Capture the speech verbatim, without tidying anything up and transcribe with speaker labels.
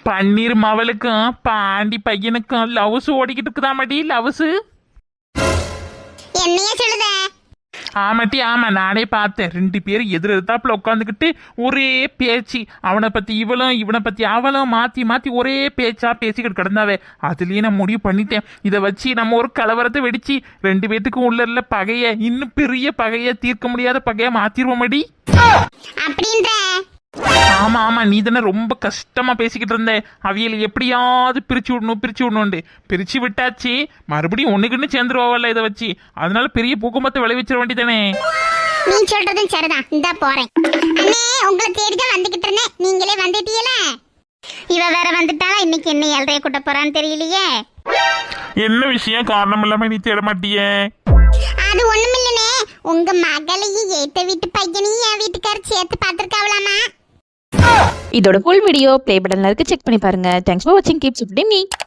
Speaker 1: பன்னீர் மவளுக்கும் பாண்டி பையனுக்கும் லவ்ஸ் ஓடிக்கிட்டு இருக்குதா மாட்டி லவ்ஸ்.
Speaker 2: என்னைய சொல்லுத?
Speaker 1: ஆமாட்டி ஆமா, நானே பார்த்தேன். ரெண்டு பேரும் எதிர் எதிர்த்தாப்புல உட்காந்துக்கிட்டு ஒரே பேச்சு. அவனை பத்தி இவளும் இவனை பத்தி அவளும் மாத்தி மாத்தி ஒரே பேச்சா பேசிக்கிட்டு கிடந்தாவே. அதுலயே நான் முடிவு பண்ணிட்டேன், இதை வச்சு நம்ம ஒரு கலவரத்தை வெடிச்சு ரெண்டு பேத்துக்கும் உள்ள இருந்த பகைய இன்னும் பெரிய பகைய தீர்க்க முடியாத பகைய மாத்திருவோம் மடி.
Speaker 2: அப்படின்ற?
Speaker 1: ஆமா ஆமா, நீ தானே ரொம்ப கஷ்டமா பேசிக்கிட்டு இருந்த அவியல் எப்படியாவது பிரிச்சு விடணும் பிரிச்சு விடணும்ண்டு. பிரிச்சு விட்டாச்சு, மறுபடியும் ஒண்ணுக்குன்னு சேர்ந்துருவாங்கல்ல இதை வச்சு. அதனால பெரிய பூகம்பத்தை விளைவிச்சிட வேண்டியதானே.
Speaker 2: நீ சொல்றதும் சரிதான், இந்தா போறேன். அண்ணே, உங்களை தேடிதான் வந்துகிட்டு இருந்தேன், நீங்களே வந்துட்டீங்களா? இவ வேற வந்துட்டாளா? இன்னைக்கு என்ன ஏழ்றைய கூட்ட போறான்னு தெரியலையே.
Speaker 1: என்ன விஷயம்? காரணம் இல்லாம நீ தேட மாட்டியே?
Speaker 2: அது ஒண்ணுமில்லனே, உங்க மகளையும் ஏத்த வீட்டு பையனையும் என் வீட்டுக்காரர் சேர்த்து பார்த்திருக்காவலாமா?
Speaker 3: இதோட ஃபுல் வீடியோ ப்ளே பட்டன்ல இருக்கு, செக் பண்ணி பாருங்க. தேங்க்ஸ் ஃபார் வாட்சிங், கீப் சப்போர்ட்டிங் மீ.